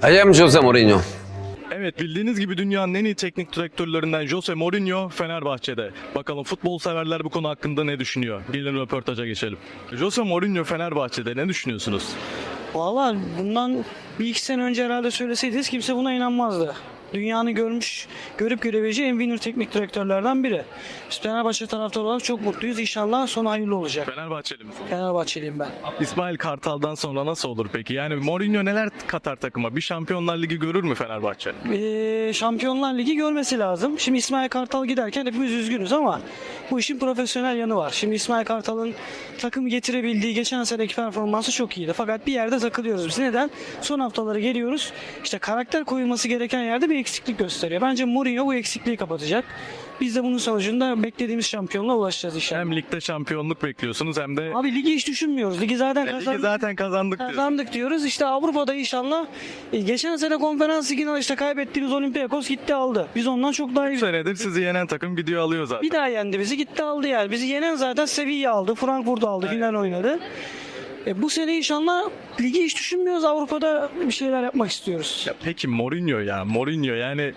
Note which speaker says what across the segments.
Speaker 1: I am Jose Mourinho.
Speaker 2: Evet, bildiğiniz gibi dünyanın en iyi teknik direktörlerinden Jose Mourinho Fenerbahçe'de. Bakalım futbol severler bu konu hakkında ne düşünüyor? Gelin röportaja geçelim. Jose Mourinho Fenerbahçe'de ne düşünüyorsunuz?
Speaker 3: Valla bundan bir iki sene önce herhalde söyleseydiniz kimse buna inanmazdı. Dünyanın görüp görebileceği en winner teknik direktörlerden biri. Biz Fenerbahçe taraftarı olarak çok mutluyuz. İnşallah sonu hayırlı olacak.
Speaker 2: Fenerbahçeli misiniz?
Speaker 3: Fenerbahçeliyim ben.
Speaker 2: İsmail Kartal'dan sonra nasıl olur peki? Yani Mourinho neler katar takıma? Bir Şampiyonlar Ligi görür mü Fenerbahçe?
Speaker 3: Şampiyonlar Ligi görmesi lazım. Şimdi İsmail Kartal giderken hepimiz üzgünüz ama bu işin profesyonel yanı var. Şimdi İsmail Kartal'ın takım getirebildiği geçen seneki performansı çok iyiydi. Fakat bir yerde takılıyoruz biz. Neden? Son haftaları geliyoruz. İşte karakter koyulması gereken yerde bir eksiklik gösteriyor. Bence Mourinho bu eksikliği kapatacak. Biz de bunun sonucunda beklediğimiz şampiyonluğa ulaşacağız inşallah.
Speaker 2: Hem ligde şampiyonluk bekliyorsunuz hem de
Speaker 3: Abi ligi hiç düşünmüyoruz. Ligi zaten
Speaker 2: ligi zaten kazandık diyorsunuz.
Speaker 3: kazandık diyoruz. İşte Avrupa'da inşallah geçen sene konferans liginde işte kaybettiğimiz Olympiakos gitti aldı. Biz ondan çok daha iyi.
Speaker 2: 3 senedir sizi yenen takım gidiyor alıyor zaten.
Speaker 3: Bir daha yendi bizi gitti aldı yani. Bizi yenen zaten Sevilla aldı. Frankfurt'u aldı. Final oynadı. Bu sene inşallah ligi hiç düşünmüyoruz. Avrupa'da bir şeyler yapmak istiyoruz.
Speaker 2: Ya peki Mourinho yani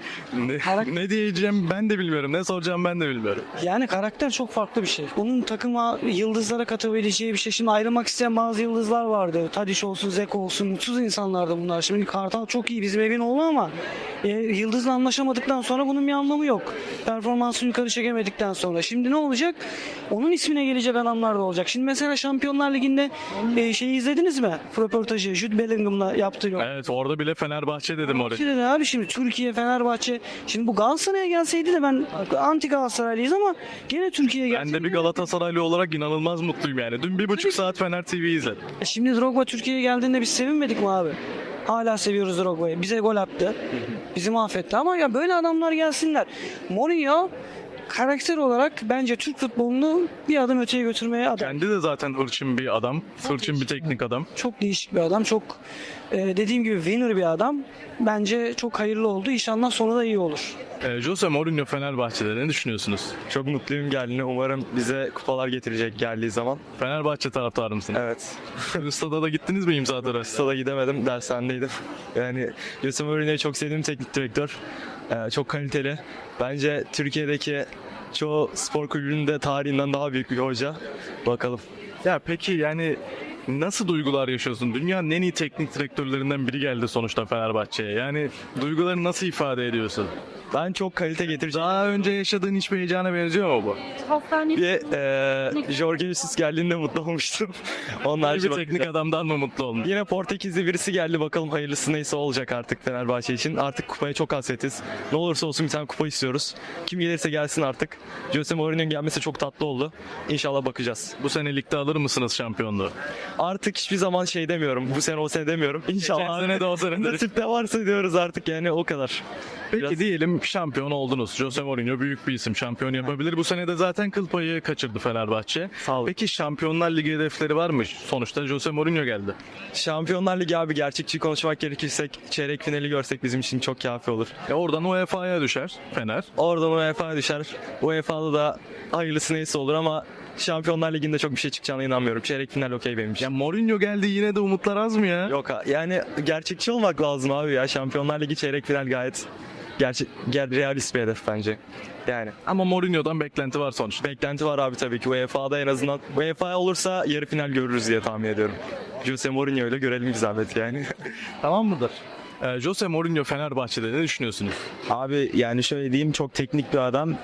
Speaker 2: ne diyeceğim ben de bilmiyorum. Ne soracağım ben de bilmiyorum.
Speaker 3: Yani karakter çok farklı bir şey. Onun takıma yıldızlara katabileceği bir şey. Şimdi ayrılmak isteyen bazı yıldızlar vardı. Tadiç olsun, Zeko olsun. Mutsuz insanlardı bunlar. Şimdi Kartal çok iyi bizim evin oğlu ama yıldızla anlaşamadıktan sonra bunun bir anlamı yok. Performansını yukarı çekemedikten sonra. Şimdi ne olacak? Onun ismine gelecek adamlar da olacak. Şimdi mesela Şampiyonlar Ligi'nde şeyi izlediniz mi? Röportajı Jude Bellingham'la yaptığı yok.
Speaker 2: Evet, orada bile Fenerbahçe dedim oraya.
Speaker 3: Şimdi abi şimdi Türkiye, Fenerbahçe. Şimdi bu Galatasaray'a gelseydi de ben anti Galatasaraylıyız ama gene Türkiye'ye
Speaker 2: Ben
Speaker 3: gelseydi.
Speaker 2: de bir Galatasaraylı olarak inanılmaz mutluyum yani. Dün 1,5 saat Fener TV izledim.
Speaker 3: Şimdi Drogba Türkiye'ye geldiğinde biz sevinmedik mi abi? Hala seviyoruz Drogba'yı. Bize gol attı. Bizi mahvetti ama ya böyle adamlar gelsinler. Mourinho karakter olarak bence Türk futbolunu bir adım öteye götürmeye aday.
Speaker 2: Kendi de zaten hırçın bir adam. Hırçın bir teknik adam.
Speaker 3: Çok değişik bir adam. Çok dediğim gibi winner bir adam. Bence çok hayırlı oldu. İnşallah sonu da iyi olur.
Speaker 2: Jose Mourinho Fenerbahçe'de ne düşünüyorsunuz?
Speaker 4: Çok mutluyum geldiğine. Umarım bize kupalar getirecek geldiği zaman.
Speaker 2: Fenerbahçe taraftarı mısınız?
Speaker 4: Evet.
Speaker 2: Stada da gittiniz mi imza töreni?
Speaker 4: Stada gidemedim. Dershanedeydim. Yani Jose Mourinho'yu çok sevdiğim teknik direktör. Çok kaliteli. Bence Türkiye'deki çoğu spor kulübünün de tarihinden daha büyük bir hoca. Bakalım.
Speaker 2: Ya peki yani nasıl duygular yaşıyorsun? Dünyanın en iyi teknik direktörlerinden biri geldi sonuçta Fenerbahçe'ye. Yani duyguları nasıl ifade ediyorsun?
Speaker 4: Ben çok kalite getireceğim.
Speaker 2: Daha önce yaşadığın hiçbir heyecana benziyor mu bu?
Speaker 4: Bir Jorge Jesus geldiğinde mutlu olmuştum. Onun
Speaker 2: Bir
Speaker 4: harici
Speaker 2: teknik adamdan mı mutlu oldun?
Speaker 4: Yine Portekizli birisi geldi. Bakalım hayırlısı neyse olacak artık Fenerbahçe için. Artık kupaya çok hasretiz. Ne olursa olsun bir tane kupa istiyoruz. Kim gelirse gelsin artık. Jose Mourinho'nun gelmesi çok tatlı oldu. İnşallah bakacağız.
Speaker 2: Bu sene ligde alır mısınız şampiyonluğu?
Speaker 4: Artık hiçbir zaman şey demiyorum. Bu sene o sene demiyorum. İnşallah.
Speaker 2: Geçen sene de o sene de.
Speaker 4: Nasip de varsa diyoruz artık yani o kadar.
Speaker 2: Peki
Speaker 4: Biraz-
Speaker 2: diyelim şampiyon oldunuz. Jose Mourinho büyük bir isim. Şampiyon yapabilir. Bu sene de zaten kıl payı kaçırdı Fenerbahçe.
Speaker 4: Sağ olun.
Speaker 2: Peki Şampiyonlar Ligi hedefleri var mı? Sonuçta Jose Mourinho geldi.
Speaker 4: Şampiyonlar Ligi abi gerçekçi konuşmak gerekirse çeyrek finali görsek bizim için çok kafi olur.
Speaker 2: Oradan UEFA'ya düşer Fener.
Speaker 4: Oradan UEFA'ya düşer. UEFA'da da hayırlısı neyse olur ama Şampiyonlar Ligi'nde çok bir şey çıkacağına inanmıyorum. Çeyrek final okey benim için.
Speaker 2: Ya Mourinho geldi yine de umutlar az mı ya?
Speaker 4: Yok yani gerçekçi olmak lazım abi ya. Şampiyonlar Ligi çeyrek final gayet realist bir hedef bence. Yani
Speaker 2: Ama Mourinho'dan beklenti var sonuçta.
Speaker 4: beklenti var abi tabii ki UEFA'da en azından. UEFA olursa yarı final görürüz diye tahmin ediyorum. Jose Mourinho ile görelim bir zahmet yani.
Speaker 2: Tamam mıdır? Jose Mourinho Fenerbahçe'de ne düşünüyorsunuz?
Speaker 5: Abi yani şöyle diyeyim çok teknik bir adam.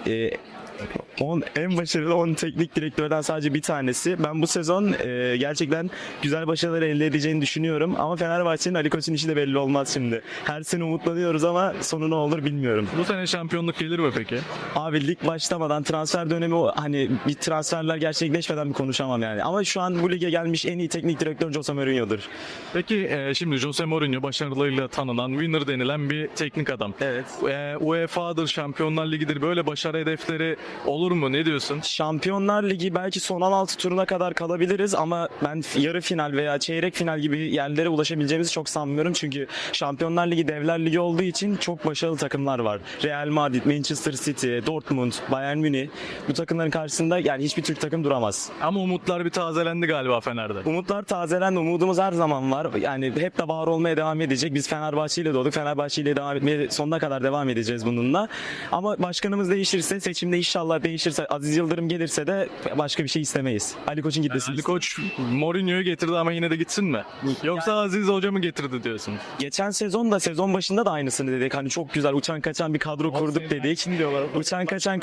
Speaker 5: En başarılı 10 teknik direktörden sadece bir tanesi. Ben bu sezon gerçekten güzel başarılar elde edeceğini düşünüyorum. Ama Fenerbahçe'nin Ali Koç'un işi de belli olmaz şimdi. Her sene umutlanıyoruz ama sonu ne olur bilmiyorum.
Speaker 2: Bu sene şampiyonluk gelir mi peki?
Speaker 5: Abi lig başlamadan transfer dönemi hani bir transferler gerçekleşmeden bir konuşamam yani. Ama şu an bu lige gelmiş en iyi teknik direktör Jose Mourinho'dur.
Speaker 2: Peki şimdi Jose Mourinho başarılarıyla tanınan, winner denilen bir teknik adam.
Speaker 5: Evet.
Speaker 2: UEFA'dır, Şampiyonlar Ligi'dir böyle başarı hedefleri olur Olur mu? Ne diyorsun?
Speaker 5: Şampiyonlar Ligi belki son 16 turuna kadar kalabiliriz ama ben yarı final veya çeyrek final gibi yerlere ulaşabileceğimizi çok sanmıyorum. Çünkü Şampiyonlar Ligi Devler Ligi olduğu için çok başarılı takımlar var. Real Madrid, Manchester City, Dortmund, Bayern Münih, bu takımların karşısında yani hiçbir Türk takım duramaz.
Speaker 2: Ama umutlar bir tazelendi galiba Fener'de.
Speaker 5: Umutlar tazelendi, umudumuz her zaman var. Yani hep de var olmaya devam edecek. Biz Fenerbahçe ile doğduk, Fenerbahçe ile devam etmeye sonuna kadar devam edeceğiz bununla. Ama başkanımız değişirse, seçimde inşallah değişirse, Aziz Yıldırım gelirse de başka bir şey istemeyiz. Ali Koç'un gitmesini.
Speaker 2: Ali Koç Mourinho'yu getirdi ama yine de gitsin mi? Yoksa Aziz Hoca mı getirdi diyorsun?
Speaker 5: Geçen sezon da sezon başında da aynısını dedik. Hani çok güzel uçan kaçan bir kadro kurduk dedik. Uçan kaçan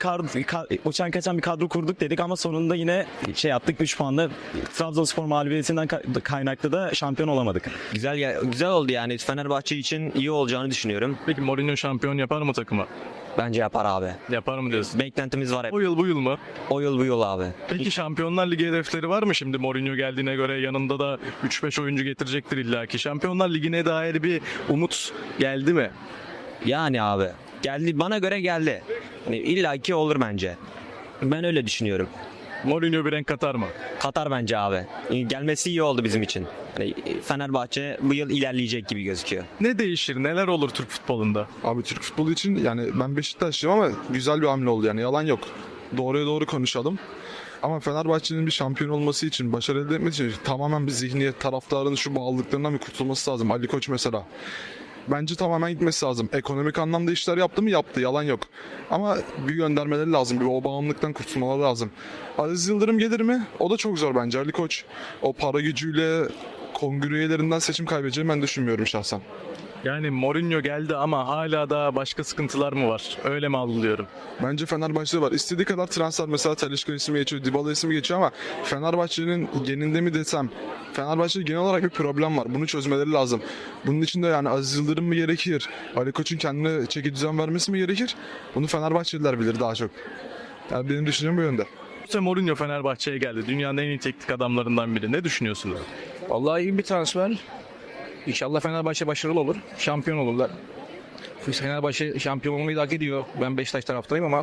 Speaker 5: bir kadro kurduk dedik ama sonunda yine şey yaptık, 3 puanla Trabzonspor mağlubiyetinden kaynaklı da şampiyon olamadık.
Speaker 1: Güzel oldu yani. Fenerbahçe için iyi olacağını düşünüyorum.
Speaker 2: Peki Mourinho şampiyon yapar mı takımı?
Speaker 1: Bence yapar abi.
Speaker 2: Yapar mı diyorsun?
Speaker 1: Beklentimiz var hep.
Speaker 2: O yıl bu yıl mı?
Speaker 1: O yıl bu yıl abi.
Speaker 2: Peki Şampiyonlar Ligi hedefleri var mı şimdi Mourinho geldiğine göre? Yanında da 3-5 oyuncu getirecektir illaki. Şampiyonlar Ligi'ne dair bir umut geldi mi?
Speaker 1: Yani abi. Geldi, bana göre geldi. Yani illaki olur bence. Ben öyle düşünüyorum.
Speaker 2: Mourinho bir renk katar mı?
Speaker 1: Katar bence abi. Gelmesi iyi oldu bizim için. Yani Fenerbahçe bu yıl ilerleyecek gibi gözüküyor.
Speaker 2: Ne değişir? Neler olur Türk futbolunda?
Speaker 6: Abi Türk futbolu için yani ben Beşiktaşlıyım ama güzel bir hamle oldu yani yalan yok. Doğruya doğru konuşalım. Ama Fenerbahçe'nin bir şampiyon olması için, başarı elde etmesi için tamamen bir zihniyet, taraftarın şu bağlılıklarından bir kurtulması lazım. Ali Koç mesela. Bence tamamen gitmesi lazım. Ekonomik anlamda işler yaptı mı? Yaptı. Yalan yok. Ama bir göndermeleri lazım. Bir o bağımlılıktan kurtulmaları lazım. Aziz Yıldırım gelir mi? O da çok zor bence. Ali Koç o para gücüyle kongre üyelerinden seçim kaybedeceğini ben düşünmüyorum şahsen.
Speaker 2: Yani Mourinho geldi ama hala da başka sıkıntılar mı var? Öyle mi algılıyorum?
Speaker 6: Bence Fenerbahçe'de var. İstediği kadar transfer mesela Talisca ismi geçiyor, Dybala ismi geçiyor ama Fenerbahçe'nin geninde mi desem Fenerbahçe'de genel olarak bir problem var. Bunu çözmeleri lazım. Bunun için de yani Aziz Yıldırım mı gerekir? Ali Koç'un kendine çeki düzen vermesi mi gerekir? Bunu Fenerbahçeliler bilir daha çok. Yani benim düşüncem bu yönde.
Speaker 2: Jose Mourinho Fenerbahçe'ye geldi. Dünyanın en iyi teknik adamlarından biri. Ne düşünüyorsunuz?
Speaker 7: Vallahi iyi bir transfer. İnşallah Fenerbahçe başarılı olur. Şampiyon olurlar. Fenerbahçe şampiyon olmayı da hak ediyor. Ben Beşiktaş taraftarıyım ama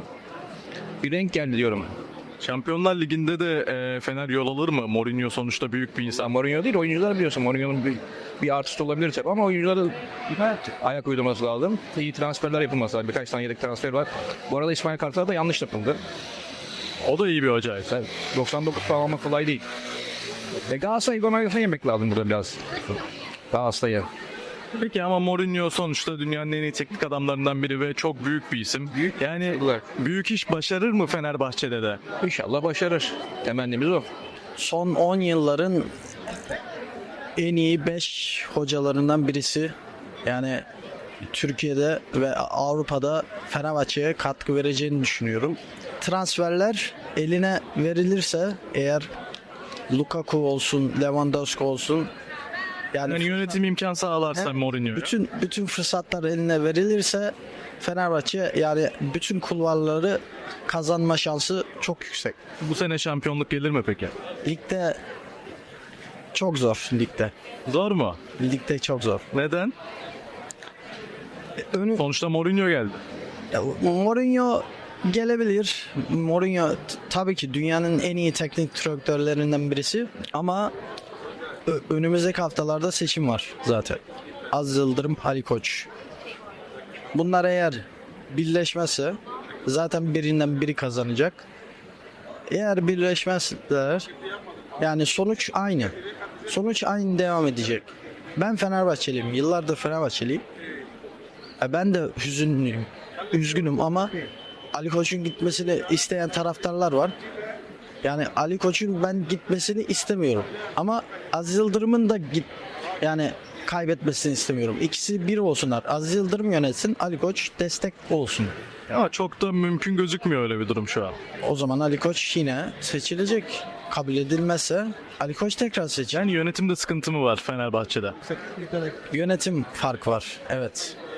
Speaker 7: bir renk geldi diyorum.
Speaker 2: Şampiyonlar Ligi'nde de Fener yol alır mı? Mourinho sonuçta büyük bir insan.
Speaker 7: Mourinho değil, oyuncular biliyorsun. Mourinho'nun bir artısı olabilir tabii ama oyuncuların ayak uydurması lazım. İyi transferler yapılması lazım. Birkaç tane yedek transfer var. Bu arada İsmail Kartal da yanlış yapıldı.
Speaker 2: O da iyi bir hoca.
Speaker 7: 99 puan almak kolay değil. Galatasaray'ı gol yemek lazım burada biraz. Galatasaray'ı.
Speaker 2: Peki ama Mourinho sonuçta dünyanın en iyi teknik adamlarından biri ve çok büyük bir isim. Yani büyük iş başarır mı Fenerbahçe'de de?
Speaker 7: İnşallah başarır. Temennimiz o.
Speaker 8: Son 10 yılların en iyi 5 hocalarından birisi. Yani Türkiye'de ve Avrupa'da Fenerbahçe'ye katkı vereceğini düşünüyorum. Transferler eline verilirse eğer Lukaku olsun, Lewandowski olsun
Speaker 2: Yani yönetim imkan sağlarsa Mourinho'ya.
Speaker 8: bütün fırsatlar eline verilirse Fenerbahçe yani bütün kulvarları kazanma şansı çok yüksek.
Speaker 2: Bu sene şampiyonluk gelir mi peki?
Speaker 8: Ligde çok zor ligde.
Speaker 2: Zor mu?
Speaker 8: Ligde çok zor.
Speaker 2: Neden? Sonuçta Mourinho geldi.
Speaker 8: Ya, Mourinho gelebilir. Mourinho tabii ki dünyanın en iyi teknik direktörlerinden birisi ama önümüzdeki haftalarda seçim var zaten. Aziz Yıldırım, Ali Koç. Bunlar eğer birleşmezse zaten birinden biri kazanacak. Eğer birleşmezler yani sonuç aynı. Sonuç aynı devam edecek. Ben Fenerbahçeliyim. Yıllardır Fenerbahçeliyim. Ben de üzgünüm ama Ali Koç'un gitmesini isteyen taraftarlar var. Yani Ali Koç'un ben gitmesini istemiyorum. Ama Aziz Yıldırım'ın da yani kaybetmesini istemiyorum. İkisi bir olsunlar. Aziz Yıldırım yönetsin, Ali Koç destek olsun.
Speaker 2: Ama çok da mümkün gözükmüyor öyle bir durum şu an.
Speaker 8: O zaman Ali Koç yine seçilecek. Kabul edilmezse Ali Koç tekrar seçilir.
Speaker 2: Yani yönetimde sıkıntı mı var Fenerbahçe'de?
Speaker 8: Yönetim fark var. Evet.